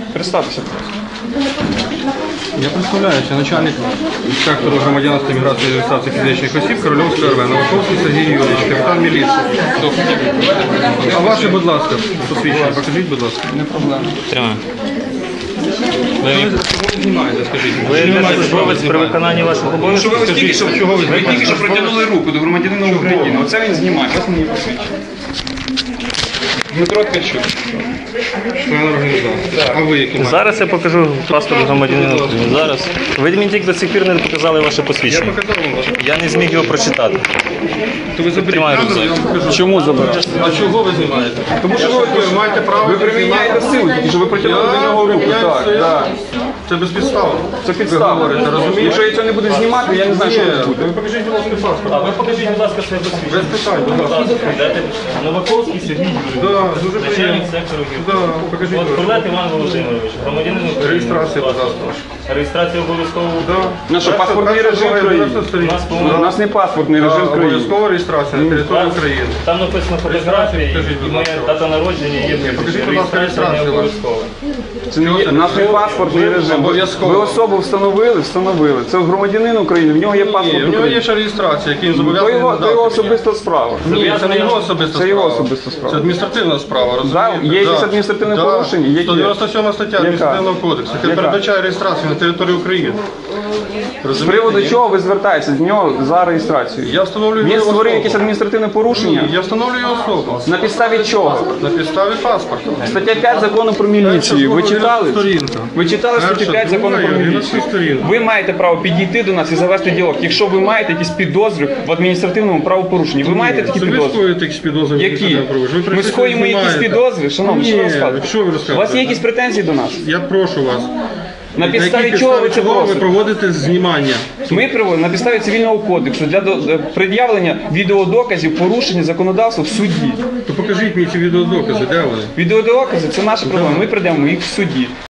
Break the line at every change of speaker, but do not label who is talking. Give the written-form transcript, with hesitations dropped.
Представтеся просто.
Я представляюся, начальник сектору громадянства, міграції і реєстрації фізичних осіб Корольовської РВ, Новаковський Сергій Юрійович, капітан міліції. А ваше, будь ласка, посвідчення, покажіть, будь ласка.
Не проблема.
Тримаю.
Чого ви знімаєте, скажіть?
Ви держслужбовець при виконанні ваших обов'язків?
Ви тільки що протягнули руку до громадянина України. Оце він знімає, вас мені посвідчує. Дмитро Ткачук.
Член організації. А ви які маєте?
Зараз я покажу паспорт громадянина України. Зараз. Ви мені тільки до цих пір не показали ваше
Я
посвідчення.
показав вам ваше.
Я не зміг його прочитати.
То ви заберіть
Тримаю
камеру, я вам
рюкзак.
покажу.
Чому забирати?
А чого ви знімаєте? Тому що ви маєте право...
Ви приміняєте силу, тільки що ви протягнули до нього руку. Так, так.
Це безпідставно.
Це підстава.
Ви говорите, розумієте?
Якщо я цього не буду знімати, я не знаю, що це буде.
Ви покажіть, будь ласка, паспорт.
А ви покажіть, будь ласка, своє посвідчення.
Без питань, будь ласка.
Новаковський Сергій Юрійович.
Да, дуже
Начальник
приємно.
сектору
Да, покажіть, будь ласка.
Курлет Іван Володимирович, громадянин України.
Реєстрація, будь ласка.
Реєстрація обов'язково.
Да.
Ну що, паспортний режим країни? У нас не паспортний режим країни.
Обов'язкова реєстрація на території України.
Там написано фотографії
Покажіть,
і
будь
моя
ласка.
дата народження є.
Покажіть, будь ласка,
Реєстрація не
реєстрацію.
обов'язкова.
Це не є, у нас не паспортний режим.
Обов'язково.
Ви особу встановили? Встановили. Це громадянин України, в нього є
Ні,
паспорт
в нього є
України.
ще реєстрація, який він
То
зобов'язаний
його
надати.
особиста справа.
Ні, це не його особиста
Це його
справа.
особиста справа.
Це адміністративна справа, розумієте?
Є якесь адміністративне порушення? Які?
197 стаття адміністративного кодексу, яка
Яка?
передбачає реєстрацію на території України.
З
Розумієте?
приводу
Ні?
чого ви звертаєтеся з нього за реєстрацією?
Я встановлюю
Він
його
створив
особу.
якесь адміністративне порушення?
Ні, я встановлюю особу.
На підставі чого?
На підставі паспорту.
Стаття 5 закону про міліцію. Ви читали?
Сторінка.
Ви читали статтю
Перша,
5 закону
друга
про
і
міліцію?
11 сторінка.
Ви маєте право підійти до нас і завести діалог. Якщо ви маєте якісь підозри в адміністративному правопорушенні, ви маєте такі
Це ви
підозри?
скоїте якісь підозри?
Які? Ми
прийшли,
скоїмо якісь
знімаєте.
підозри? Шановні, що ви
Ні,
розказуєте?
що ви
У вас
розказуєте?
є якісь претензії до нас?
Я прошу вас.
На підставі чого ви це
ви
просите?
проводите знімання?
Ми проводимо на підставі цивільного кодексу для пред'явлення відеодоказів порушення законодавства в суді.
То покажіть мені ці відеодокази, де вони?
Відеодокази – це наша проблема. Ми пред'явимо їх в суді.